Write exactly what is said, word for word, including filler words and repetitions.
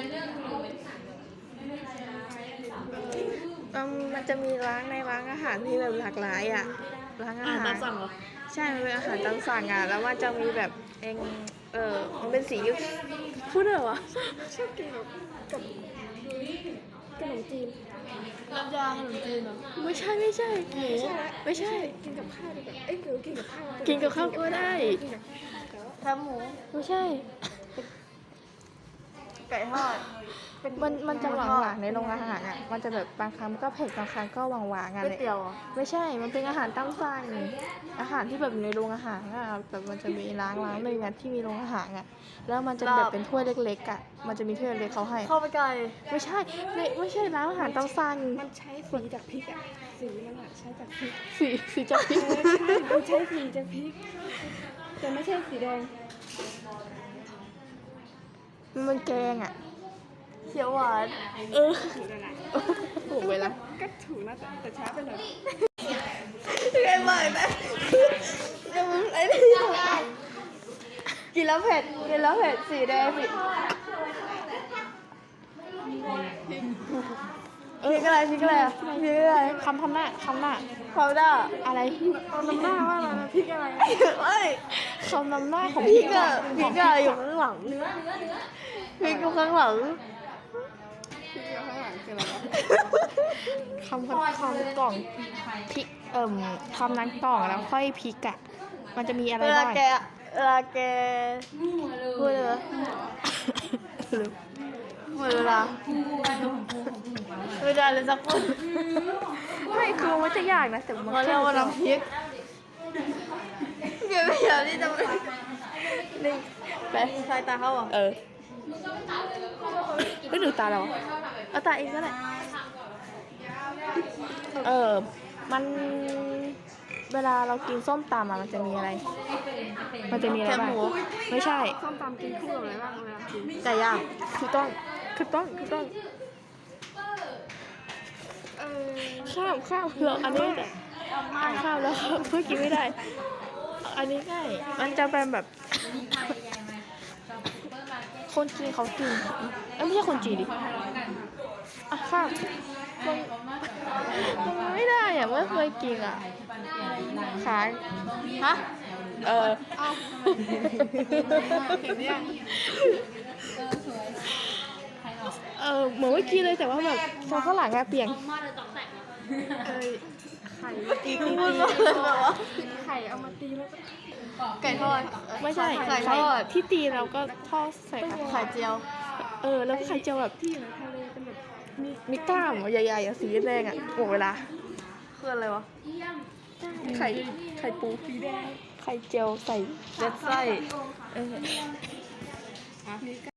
มันจะมีร้านในร้านอาหารที่แบบหลากหลายอ่ะร้านอาหารตามสั่งเหรอใช่มันเป็นอาหารตามสั่งอ่ะแล้วมันจะมีแบบเองเออมันเป็นสีพูดได้เหรอวะชอบกินแบบกับขนมจีนน้ำยาขนมจีนไม่ใช่ไม่ใช่หมูไม่ใช่กินกับข้าวดีกว่าเอ้ยหรือกินกับข้าวกินกับข้าวก็ได้แคบหมูไม่ใช่ไก่ทอดมันมันจะหวานหวานในโรงอาหารอ่ะมันจะแบบบางครั้งก็เผ็ดบางครั้งก็หวานหวานกันเลยก๋วยเตี๋ยวไม่ใช่มันเป็นอาหารตามสั่งอาหารที่แบบอยู่ในโรงอาหารอ่ะแบบมันจะมีร้านร้านหนึ่งอ่ะที่มีโรงอาหารอ่ะแล้วมันจะแบบเป็นถ้วยเล็กๆอ่ะมันจะมีถ้วยเล็กเขาให้ข้าวมันไก่ไม่ใช่ไม่ไม่ใช่ร้านอาหารตามสั่งมันใช้สีจากพริกอ่ะสีมันอ่ะใช้จากพริกสีสีจากพริกใช่มันใช้สีจากพริกแต่ไม่ใช่สีแดงมันแกงอ่ะเขียวหวานเออถูกเวลาก็ถูกนะแต่ช้าไปหน่อยไงบ่อยไหมจะมึงไอ้นี่กินแล้วเผ็ดกินแล้วเผ็ดสีแดงสีพริกอะไรพริกอะไรพริกอะไรคำทำหน้าคำหน้าคำหน้าอะไรคำนำหน้าว่าอะไรพริกอะไรเอ้ยคำนำหน้าของพริกอะพริกอะไรอยู่ข้างหลังเนื้อเนื้อเนื้อพริกอยู่ข้างหลังคำคำคำกล่องพริกเอิ่มคำนั้นกล่องแล้วค่อยพริกอะมันจะมีอะไรบ้างเวลาแกเวลาแกพูดเลยหมดเวลาไม่ได้เลยสักคนไม่คือมันจะยากนะแต่มันเรียกว่าน้ำพริกเดี๋ยวไม่อยากที่จะไปนี่ไปใส่ตาเขาอ่ะเออไม่ดูตาเราเอาตาเองก็ได้เออมันเวลาเรากินส้มตำมันจะมีอะไรมันจะมีอะไรบ้างไม่ใช่ส้มตำกินคู่กับอะไรบ้างเวลากินไก่ย่างคือต้องคือต้องคือต้องข้าวข้าวเผือกอันนี้ข้าวแล้วเพื่อกินไม่ได้อันนี้ง่ายมันจะเป็นแบบคนจีนเขากินไม่ใช่คนจีนดิอ่ะข้าวมันมันไม่ได้อ่ะไม่เคยกินอ่ะขายฮะเออเออเหมือนเมื่อกี้เลยแต่ว่าแบบซอสข้างหลังอะเปลี่ยนไข่ตีตีตีแบบว่าไข่เอามาตีแล้วไก่ทอดไม่ใช่ไก่ทอดที่ตีเราก็ทอดใส่ไข่เจียวเออแล้วไข่เจียวแบบที่ทะเลเป็นแบบมีกล้ามใหญ่ๆอ่ะสีแดงอ่ะหมดเวลาคืออะไรวะไข่ไข่ปูสีแดงไข่เจียวใส่เล็ดไส้เออ